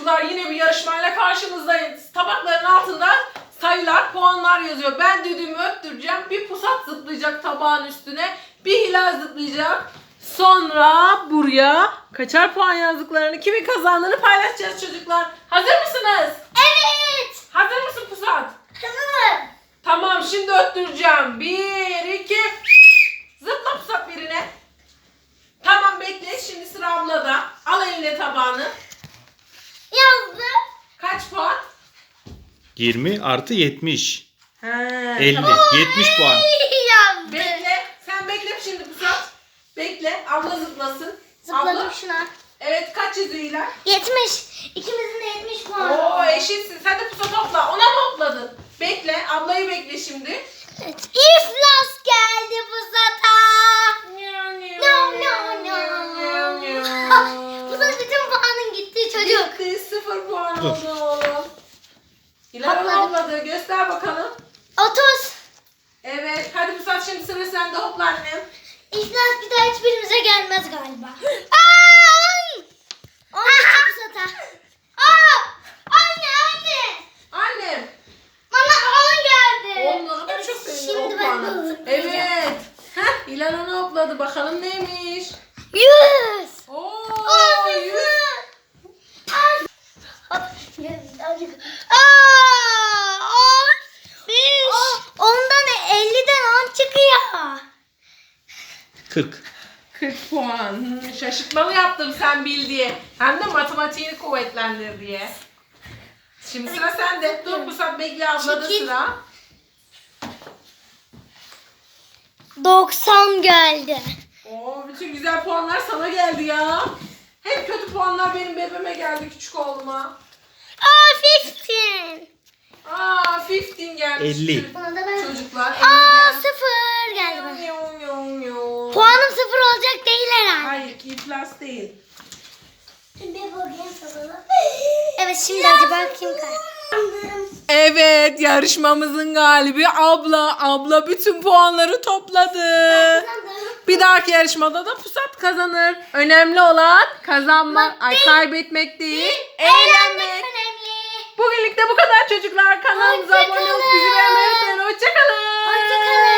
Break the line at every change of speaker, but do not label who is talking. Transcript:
çocuklar, yine bir yarışmayla karşınızdayız. Tabakların altında sayılar, puanlar yazıyor. Ben düdüğümü öttüreceğim. Bir pusat zıplayacak tabağın üstüne. Bir hilal zıplayacak. Sonra buraya kaçar puan yazdıklarını, kimin kazandığını paylaşacağız çocuklar. Hazır mısınız?
Evet.
Hazır mısın pusat?
Hazırım.
Tamam, şimdi öttüreceğim. 1, 2, zıpla pusat birine. Tamam, bekle. Şimdi sıra ablada. Al eline tabağını.
Yazdım.
Kaç puan?
20 artı 70.
He,
50.
tamam.
70 puan.
Yazdım.
Bekle. Sen bekle şimdi pusat. Bekle. Abla zıplasın.
Zıpladım
Abla.
şuna.
Evet, kaç yazıyor İlay?
70. İkimizin de 70 puanı.
Oo, eşitsin. Sen de pusat topla. Ona mı topladın? Bekle. Ablayı bekle şimdi.
Evet. İflas geldi bu zata. Bu da bütün puanın gittiği çocuk.
Gitti. 0 puan
Dur.
oldu oğlum. İlay
Topladım.
abladı. Göster bakalım.
30.
Evet. Hadi pusat, şimdi sıra sende. Hopla annem.
İflas bir daha hiçbirimize gelmez galiba. Aa! 10 bu zata. Aa! Anne.
Annem.
Bana 10 geldi.
Oğlum, ne kadar çok sevindim o
Şimdi ben
puanı.
bunu zıplayacağım.
Evet. Heh, İlhan onu hopladı. Bakalım neymiş.
100.
Oo,
Aa,
100. Ondan
50'den 10 çıkıyor.
40.
40 puan. Şaşırtmalı yaptım sen bil diye. Hem de matematiğini kuvvetlendir diye. Şimdi sıra sende. Dur Pusat, bekle, ablada
Çekil.
sıra.
90 geldi.
Oo, bütün güzel puanlar sana geldi ya. Hep kötü puanlar benim bebeğime geldi, küçük oğluma.
15.
Aa, 15 gelmiş.
50.
Buna da ben.
Çocuklar 50 geldi.
0 geldi bana.
Yo, yo, yo.
Puanım 0 olacak değil herhalde.
Hayır, iflas değil.
Evet, şimdi acaba kim kazandı?
Evet, yarışmamızın galibi abla. Abla bütün puanları topladı. Bir dahaki yarışmada da Pusat kazanır. Önemli olan kazanmak, kaybetmek değil, eğlenmek.
önemli.
Bugünlük de bu kadar çocuklar. Kanalımıza abone olup bizi beğenmeyi unutmayın. Hoşçakalın.
Hoşçakalın.